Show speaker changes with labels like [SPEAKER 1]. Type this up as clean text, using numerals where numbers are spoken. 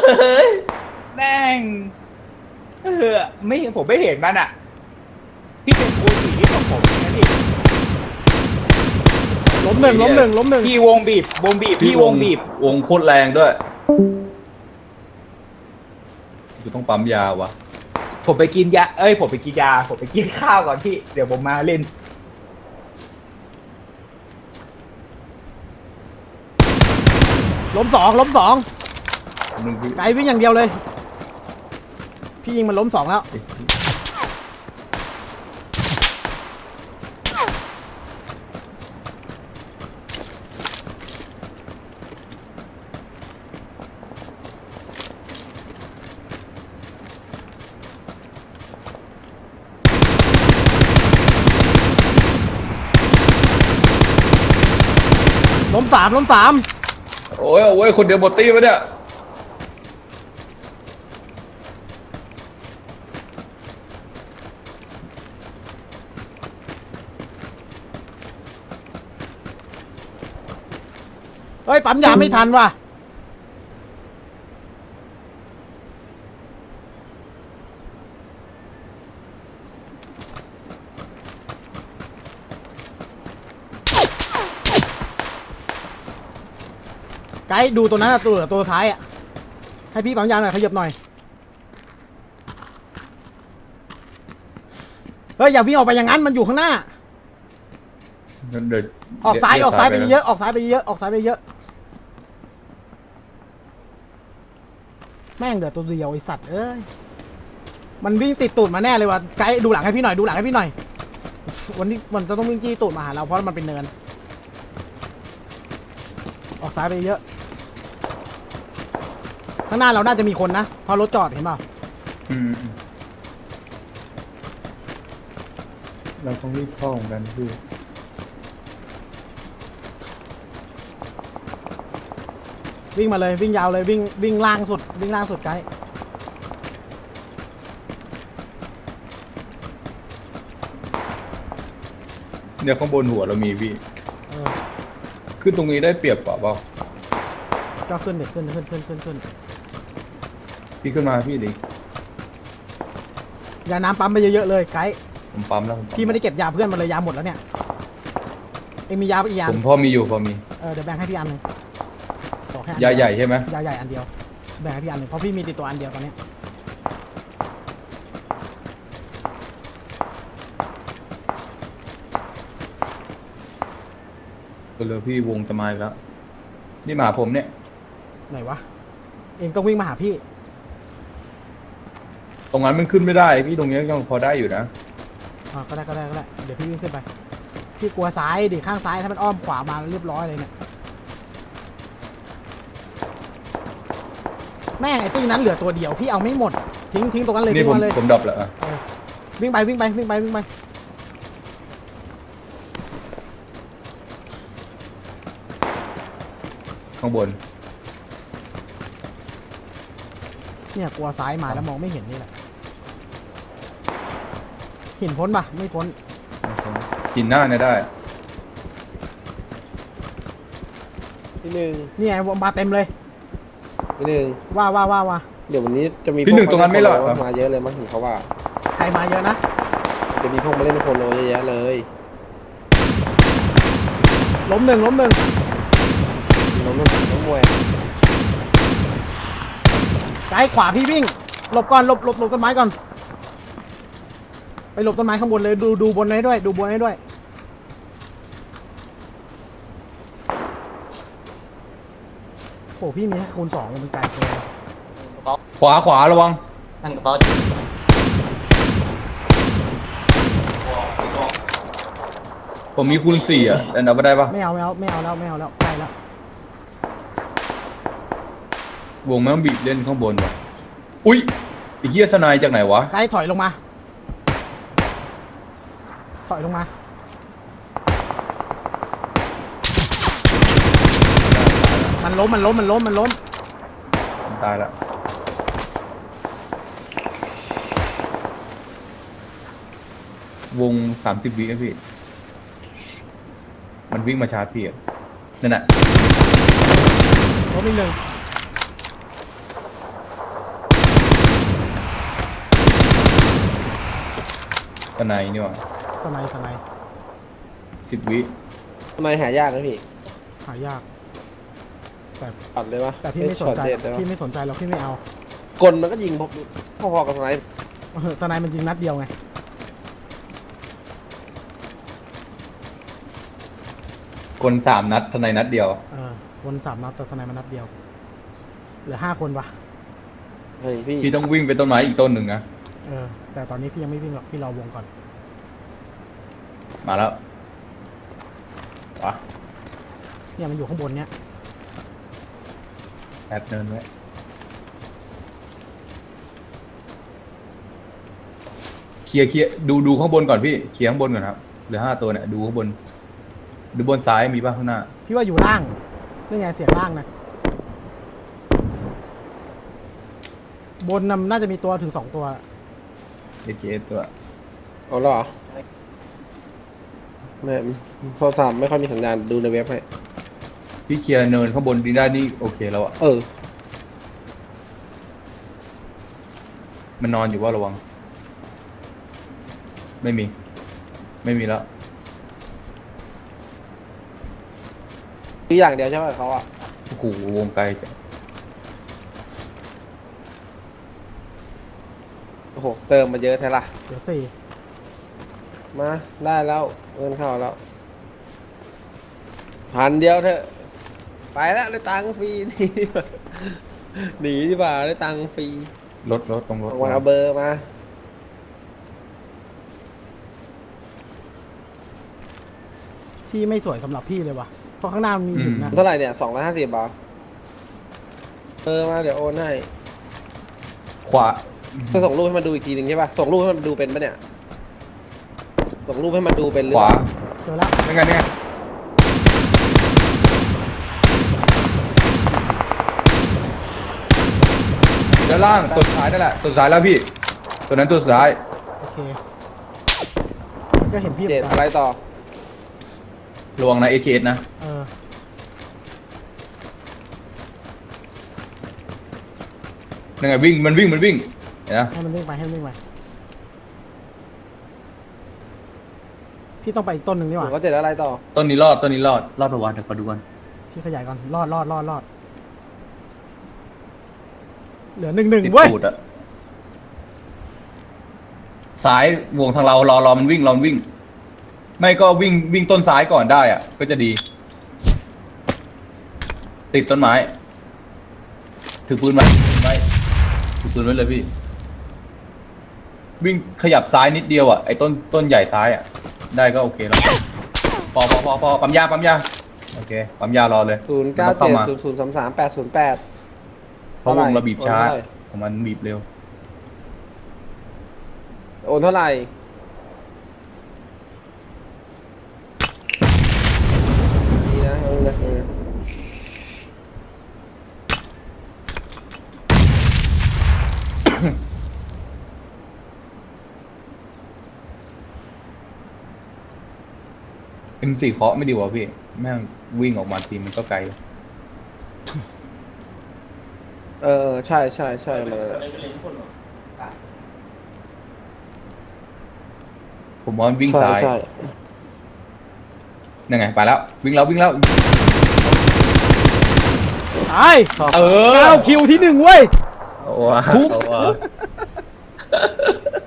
[SPEAKER 1] แม่งไม่ผมไม่เห็นมันอ่ะพี่เป็นครูสีที่ของผมนะพี่
[SPEAKER 2] ล้มหนึ่งล้มหนึ่งล้มหนึ่ง
[SPEAKER 1] พี่วงบีบพี่วงบีบ
[SPEAKER 3] วงโคตรแรงด้วยกูต้องปั๊มยาวะ
[SPEAKER 1] ผมไปกินยาผมไปกินยาผมไปกินข้าวก่อนพี่เดี๋ยวผมมาเล่น
[SPEAKER 2] ล้มสองล้มสอง
[SPEAKER 3] มึงพี่
[SPEAKER 2] ไกลวิ่งอย่างเดียวเลยพี่ยิงมันล้มสองแล้วล้มสามล้มสาม
[SPEAKER 3] โอ้ยคนเดียวหมดตีวะเนี่ย
[SPEAKER 2] เฮ้ยปั๊มยาไม่ทันว่ะไกด์ดูตัวนั้นอะตัวท้ายอ่ะให้พี่ปั๊มยาหน่อยขยับหน่อยเฮ้ยอย่าวิ่งออกไปอย่างนั้นมันอยู่ข้างหน้าออกซ้ายไปเยอะออกซ้ายไปเยอะออกซ้ายไปเยอะแม่งเดือดตัวเดียวไอสัตว์เอ้ยมันวิ่งติดตูดมาแน่เลยว่ะไกด์ดูหลังให้พี่หน่อยดูหลังให้พี่หน่อยวันนี้มันจะต้องวิ่งจี้ตูดมาหาเราเพราะมันเป็นเนินออกซ้ายไปเยอะข้างหน้าเราน่าจะมีคนนะเพราะรถจอดเห็นเปล่า
[SPEAKER 3] เราต้องรีบเข้าเหมือนกันพี่
[SPEAKER 2] วิ่งมาเลยวิ่งยาวเลยวิ่งล่างสุดวิ่งล่างสุดไกด์
[SPEAKER 3] เนี่ยข้างบนหัวเรามีพี่ขึ้นตรงนี้ได้เปรียบเปล่า
[SPEAKER 2] ก็ขึ้นเด็กขึ้น
[SPEAKER 3] พี่ขึ้นมาพี่ดิ
[SPEAKER 2] ยาน้ำปั๊มไปเยอะๆเลยไกด์
[SPEAKER 3] ผมปั๊มแล้ว
[SPEAKER 2] พี่ไม่ได้เก็บยาเพื่อนมาเลยยาหมดแล้วเนี่ยเอ็งมียาอีกยา
[SPEAKER 3] ผมพอมีอยู่พอมี
[SPEAKER 2] เดี๋ยวแบ่งให้พี่อันหนึ่ง
[SPEAKER 3] ยาใหญ่ใช่ไหม
[SPEAKER 2] ยาใหญ่อันเดียวแบ่งให้พี่อันหนึ่งเพราะพี่มีติดตัวอันเดียวตอนนี้
[SPEAKER 3] ก็เลยพี่วงจะมาอีกแล้วนี่มาผมเนี่ย
[SPEAKER 2] ไหนวะเอ็งต้องวิ่งมาหาพี่
[SPEAKER 3] ตรงนั้นมันขึ้นไม่ได้พี่ตรงนี้ยังพอได้อยู่นะ
[SPEAKER 2] ก็ได้เดี๋ยวพี่วิ่งขึ้นไปพี่กลัวซ้ายดิข้างซ้ายถ้ามันอ้อมขวามาเรียบร้อยเลยเนี่ยแม่งไอ้ตี้นั้นเหลือตัวเดียวพี่เอาไม่หมดทิ้งตรงนั้นเลย
[SPEAKER 3] นี่ผมดับแล้ว
[SPEAKER 2] วิ่งไป
[SPEAKER 3] ข้างบน
[SPEAKER 2] เนี่ยกลัวซ้ายมาแล้วมองไม่เห็นนี่แหละหินพ้นปะไม่พ้น
[SPEAKER 3] กินหน้าเนี่ยได้
[SPEAKER 4] พี่หนึ่ง
[SPEAKER 2] นี่ไงมาเต็มเลย
[SPEAKER 4] พี่หนึ่ง
[SPEAKER 2] ว่า
[SPEAKER 4] เดี๋ยววันนี้จะมี
[SPEAKER 3] พี่หนึ่งตรงนั้นไม่หรอ
[SPEAKER 4] มาเยอะเลยมั้งเห็นเขาว่า
[SPEAKER 2] ใครมาเยอะนะ
[SPEAKER 4] จะมีพวกมาเล่นโคโนเยอะแยะเลย
[SPEAKER 2] ล้มหนึ่ง
[SPEAKER 4] ล้มมวย
[SPEAKER 2] ไกด์ขวาพี่วิ่งหลบก่อนหลบต้นไม้ก่อนไปหลบต้นไม้ข้างบนเลยดูบนให้ด้วยดูบนให้ด้วยโอ้พี่มีคูณ2มันไกลเกิน
[SPEAKER 3] ขวาระวัง
[SPEAKER 1] นั่งกระเป๋า
[SPEAKER 3] ผมมีคูณ4อ่ะแต่นับไม่ได้ปะ
[SPEAKER 2] ไม่เอาแล้วใกล้แล้ว
[SPEAKER 3] วงแม่งบีบเล่นข้างบนว่ะอุ้ยไอ้เหี้ยสนายจากไหนวะ
[SPEAKER 2] ไกด์ถอยลงมามันล้ม
[SPEAKER 3] ตายแล้ววง30 วิพี่มันวิ่งมาชาร์จพี่นั่นแหละ
[SPEAKER 2] ล้มอีกหนึ่ง
[SPEAKER 3] ตะไนนี่หว่า
[SPEAKER 2] สไนสไน
[SPEAKER 3] 10 วิ
[SPEAKER 4] ทำไมหายากนะพี่
[SPEAKER 2] หายาก แต่
[SPEAKER 4] ปัดเลยวะ
[SPEAKER 2] แต่พี่ไม่สนใจ
[SPEAKER 4] ช็อตเด็ดเลยวะ
[SPEAKER 2] พี่ไม่สนใจหรอกพี่ไม่เอา
[SPEAKER 4] กลมันก็ยิงพอๆกับสไนป์
[SPEAKER 2] สไนมันยิงนัดเดียวไง
[SPEAKER 3] กล3 นัดทนายนัดเดียว
[SPEAKER 2] วน3 นัดแต่สไนมันนัดเดียว เหลือ5 คนวะ
[SPEAKER 4] เฮ้ยพี่
[SPEAKER 3] พี่ต้องวิ่งไปต้นไม้อีกต้นหนึ่งนะ
[SPEAKER 2] แต่ตอนนี้พี่ยังไม่วิ่งหรอกพี่รอวงก่อน
[SPEAKER 3] มาแล้ววะ
[SPEAKER 2] เนี่ยมันอยู่ข้างบนเนี้ย
[SPEAKER 3] แอดเนินไว้เคลียร์ดูข้างบนก่อนพี่เคลียร์ข้างบนก่อนครับเหลือ5 ตัวเนี่ยดูข้างบน ดูบนซ้ายมีป่ะข้างหน้า
[SPEAKER 2] พี่ว่าอยู่ล่างนี่ไงเสียงล่างนะบนน่าจะมีตัวถึง2 ตัว
[SPEAKER 3] AKS ตัว
[SPEAKER 4] เอาเหรอไม่โทรศัพท์ไม่ค่อยมีสัญญาณดูในเว็บให้
[SPEAKER 3] พี่เคลียร์เนินข้างบนดีได้นี่โอเคแล้วอะ
[SPEAKER 4] เออ
[SPEAKER 3] มันนอนอยู่ว่าระวัง ไม่มีแล้ว
[SPEAKER 4] คืออย่างเดียวใช่ไหมเขาอ่ะ
[SPEAKER 3] โอ้โหวงไกลจัง
[SPEAKER 4] โอ้โหเติมมาเยอะแท้ละ
[SPEAKER 2] เหลือ4
[SPEAKER 4] มาได้แล้วเงินเข้าแล้ว1,000 เดียวเถอะไปแล้วได้ตังค์ฟรี หนีดีกว่าได้ตังค์ฟรี
[SPEAKER 3] รถตรงรถ
[SPEAKER 4] วันเอาเบอร์มา
[SPEAKER 2] ที่ไม่สวยสำหรับพี่เลยวะเพราะข้างหน้ามันมีหินนะ
[SPEAKER 4] เท่าไหร่เนี่ย250 บาทเบอร์มาเดี๋ยวโอนให้
[SPEAKER 3] ขวา
[SPEAKER 4] จะส่งรูปให้มันดูอีกทีหนึ่งใช่ป่ะส่งรูปให้มันดูเป็นปะเนี่ยส่งรูปให้มันดูเป็นหรือ
[SPEAKER 3] ขวา
[SPEAKER 2] เจอแล้ว
[SPEAKER 3] เป็นไงด้านล่างตัวสุดท้ายนั่นแหละตัวสุดท้ายแล้วพี่ ตัวนั้นตัวสุดท้าย
[SPEAKER 2] โอเคมันก็เห็นพี่เหมื
[SPEAKER 4] เจ็
[SPEAKER 2] อ
[SPEAKER 4] ด
[SPEAKER 2] นกั
[SPEAKER 4] อะไร
[SPEAKER 2] น
[SPEAKER 4] ต่อ
[SPEAKER 3] ระวังนะ AKS นะ
[SPEAKER 2] เออ
[SPEAKER 3] นั่นไงวิ่งมันวิ่งเห็นนะ
[SPEAKER 2] ให้มันวิ่งไปพี่ต้องไปอีกต้นหนึ่งนี่ห
[SPEAKER 4] หนู
[SPEAKER 2] ว่า
[SPEAKER 4] ก็เจ็ดอะไรต่อ
[SPEAKER 3] ต้นนี้รอดประวัติเดี๋ยวขอดูก่อน
[SPEAKER 2] พี่ขยายก่อนรอดเหลือ1-1
[SPEAKER 3] ติด
[SPEAKER 2] เว้ย
[SPEAKER 3] ตูดอะซ้ายวงทางเรารอมันวิ่งไม่ก็วิ่งต้นซ้ายก่อนได้อะก็จะดี ติดต้นไม้ถือปืนไว้ถือปืนไว้เลยพี่ วิ่งขยับซ้ายนิดเดียวอ่ะไอ้ต้นใหญ่ซ้ายอ่ะได้ก็โอเคแล้วพอปั๊มยาโอเคปั๊มยารอเลย
[SPEAKER 4] 0970033808
[SPEAKER 3] เพราะวงเราบีบช้าของมันบีบเร็ว
[SPEAKER 4] โอนเท่าไหร่ดีนะเอาเลย
[SPEAKER 3] M4 เคาะไม่ดีกว่าพี่แม่งวิ่งออกมาทีมันก็ไกล
[SPEAKER 4] ใช่มัน
[SPEAKER 3] ผมว่ามันวิ่งซ้าย
[SPEAKER 4] ใช่
[SPEAKER 3] ยังไงไปแล้ววิ่งแล้ว
[SPEAKER 2] ตาย
[SPEAKER 3] เออ
[SPEAKER 2] 9 คิวที่ 1 เว้ย
[SPEAKER 3] เอาว่ะ